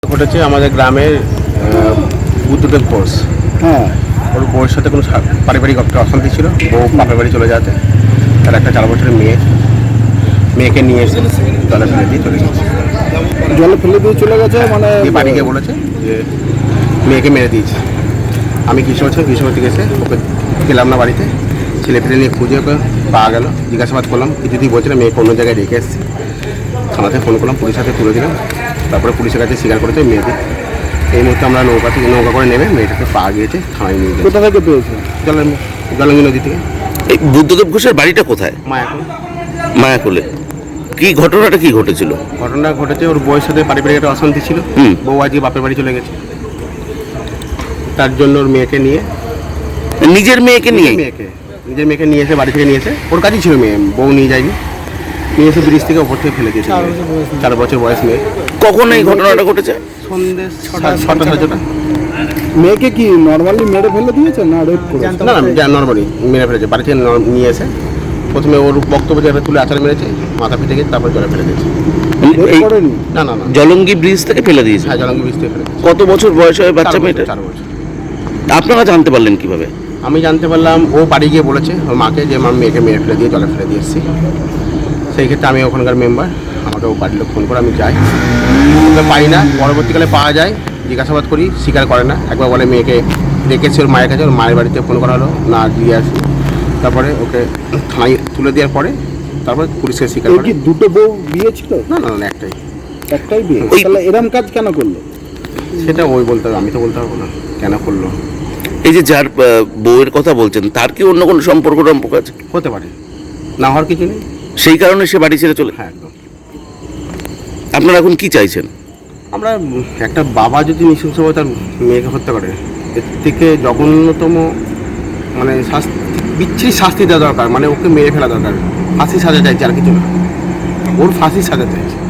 ঘটেছে আমাদের গ্রামের বুদ্ধদেব ঘোষ। হ্যাঁ, ওর বউয়ের সাথে কোনো পারিবারিক একটা অশান্তি ছিল। বউ বাপের বাড়ি চলে যাতে তার একটা 4 বছরের মেয়েকে নিয়ে এসে জলে ফেলে দিয়ে চলে গেছে। জলে ফেলে দিয়ে চলে গেছে মানে দিয়ে বাড়ি গিয়ে বলেছে যে মেয়েকে মেরে দিয়েছে। আমি কৃষ্ণপতি গেছে, ওকে গেলাম না বাড়িতে, ছেলে ফেলে নিয়ে খুঁজে ওকে পাওয়া গেল। জিজ্ঞাসাবাদ করলাম, কিছুতেই বলছে না, মেয়েকে অন্য জায়গায় রেখে এসেছি। থানাতে ফোন করলাম, পুলিশ হাতে তুলে দিলাম। তারপরে পুলিশের কাছে স্বীকার করেছে মেয়েকে। এই মুহূর্তে আমরা নৌকা করে নেমে মেয়েটাকে পাওয়া গিয়েছে, থানায় নিয়ে গেছে। কোথা থেকে পেয়েছে? জলঙ্গি নদী থেকে। এই বুদ্ধদেব ঘোষের বাড়িটা কোথায়? মায়াপুর। মায়াকুলে। কি ঘটনাটা কি ঘটেছিল? ঘটনা ঘটেছে, ওর বউয়ের সাথে পারিবারিক একটা অশান্তি ছিল। বউ আজকে বাপের বাড়ি চলে গেছে, তার জন্য ওর মেয়েকে নিয়ে নিজের মেয়েকে নিয়ে? নিজের মেয়েকে নিয়ে এসে বাড়ি থেকে নিয়েছে। ওর কাছেই ছিল মেয়ে, বউ নিয়ে যায়নি। নিয়ে এসে ব্রিজ থেকে ওপর থেকে ফেলে দিয়েছে। 4 বছর বয়স মেয়ে। কখন এই ঘটনাটা ঘটেছে? সন্ধ্যে 6টা। মেয়েকে কি নর্মালি মেরে ফেলে দিয়েছে না রেপ করে? না না, নর্মালি মেরে ফেলেছে। বাড়ি থেকে নিয়ে এসে প্রথমে ওর বক্তব্য জায়গায় তুলে আচার মেরেছে, মাথা পিঠে গিয়ে তারপর জলে ফেলে দিয়েছে। এই করেনি? না না না, জলঙ্গি ব্রিজ থেকে ফেলে দিয়েছে? হ্যাঁ, জলঙ্গি ব্রিজ থেকে ফেলে দিয়েছে। কত বছর বয়স হয় বাচ্চা 4 মেয়েটা? বছর। আপনারা জানতে পারলেন কিভাবে? আমি জানতে পারলাম ও বাড়ি গিয়ে বলেছে ওর মাকে যে মা মেয়েকে মেরে ফেলে দিয়ে জলে ফেলে দিয়ে এসেছি। সেই ক্ষেত্রে আমি ওখানকার মেম্বার, আমাকে ও বাড়ির লোক ফোন করে আমি যাই, ওকে পাই না। পরবর্তীকালে পাওয়া যায়, জিজ্ঞাসাবাদ করি, স্বীকার করে না। একবার বলে মেয়েকে রেখেছে ওর মায়ের কাছে, ওর মায়ের বাড়িতে ফোন করা হলো, না দিয়ে আসি। তারপরে ওকে থানায় তুলে দেওয়ার পরে তারপরে পুলিশকে স্বীকার এই করে। কি দুটো বউ বিয়ে ছিল? না না না, একটাই। একটাই বিয়ে? ওই- তাহলে এরম কাজ কেন করলো? সেটা ওই বলতে হবে, আমি তো বলতে পারবো না কেন করলো। এই যে যার বউয়ের কথা বলছেন, তার কি অন্য কোনো সম্পর্ক আছে? হতে পারে, না হওয়ার কিছু নেই। সেই কারণে সে বাড়ি ছেড়ে চলে? হ্যাঁ, একদম। আপনারা এখন কি চাইছেন? আমরা একটা বাবা যদি নৃশংসভাবে তার মেয়েকে হত্যা করে, এর থেকে জঘন্যতম মানে শাস্তি, বিচ্ছিরি শাস্তি দেওয়া দরকার। মানে ওকে মেরে ফেলা দরকার, ফাঁসি সাজা চাইছে, আর কিছু না। ওর ফাঁসি সাজা চাইছে।